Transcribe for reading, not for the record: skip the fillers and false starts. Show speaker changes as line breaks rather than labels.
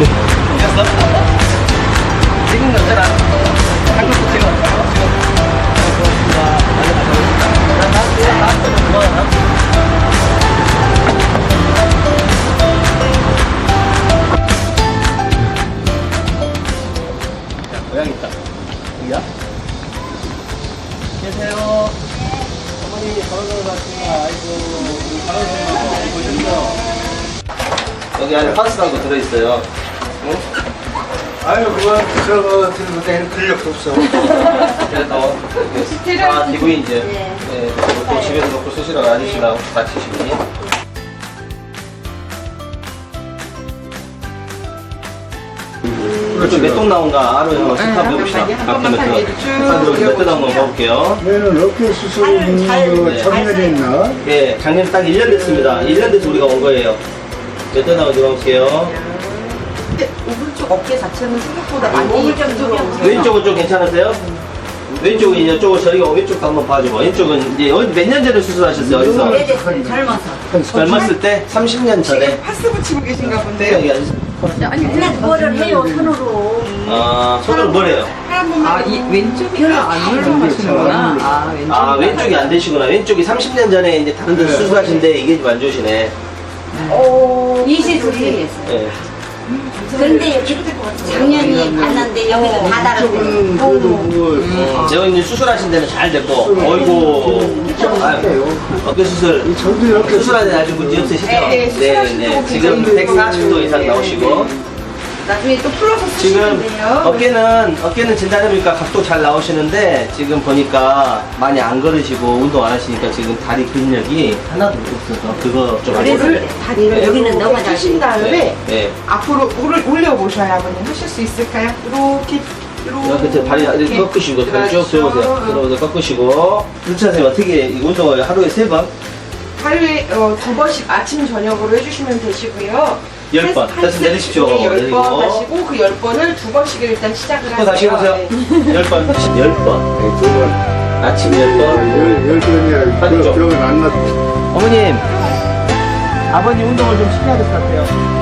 됐어? 찍은 거잖아. 한국도 찍어. 고맙습니다. 고양이 있다. 여기야? 계세요. 어머니 걸어서 갔습니다. 아이고, 걸어서 보셨죠? 여기 안에 파스라고 들어있어요. 응?
아유, 그만 저거 들고 다니는 근력도 없어.
그래서 다 기부인 이제 놓고 집에서 놓고 쓰시라고 아저씨랑 다치시니. 몇동 나온가 알아요. 한번 해봅시다. 몇동 나온 거 봐볼게요.
얘는 어깨 수술은 작년에 했나?
예, 작년 딱 1년 됐습니다. 1년 돼서 우리가 온 거예요. 몇동 나온지 봐볼게요.
오른쪽 어깨 자체는 생각보다 많이
왼쪽은 좀 괜찮으세요? 왼쪽은 이제 쪽을 저희가 왼쪽도 한번 봐주고 왼쪽은 이제 몇 년 전에 수술하셨어요? 어디서?
오래됐어요. 젊어서.
젊었을 때? 30년 전에?
파스 붙이고 계신가 본데요?
여기 앉으세요.
맨날 뭐를 해요 손으로.
아, 손으로 뭘 해요?
아, 이 왼쪽이 안 올라가시는구나. 아, 왼쪽.
아, 왼쪽이 안 되시구나. 왼쪽이 30년 전에 이제 다른 데 수술하신데 이게 좀 안 좋으시네.
이시술이 했어요.
예.
근데 작년이 만났는데 여기서 다 달았어요.
제가 이제 수술하신 데는 잘 됐고, 어이구, 아유, 어깨 수술, 수술하는 데 아직 문제 없으시죠? 네. 지금 140도 이상 나오시고,
나중에 또 풀어서
지금
쓰시는데요.
어깨는 진단해보니까 각도 잘 나오시는데, 지금 보니까 많이 안 걸으시고, 운동 안 하시니까 지금 다리 근력이 하나도 없어서, 그거 좀
그래서
알려드려요.
다리를
여기는 너무 잘
주신 다음에
네.
앞으로 올려보셔야 아버님 하실 수 있을까요? 이렇게
이렇게 다리 이렇게 꺾으시고 다리 쭉 들어오세요. 들어오세요. 꺾으시고. 루치 선생님 어떻게 이 운동을 하루에 3번?
하루에 2번씩 아침 저녁으로 해주시면 되시고요.
10번. 다시 내리십시오.
10번
내리고.
하시고 그 10번을 2번씩을 일단 시작을
또
하세요.
다시 해보세요.
네.
10번. 10번. 아침 10번.
10번이야.
반대쪽.
그건 안 났.
어머님. 아버님 운동을 좀 시켜야 될 것 같아요.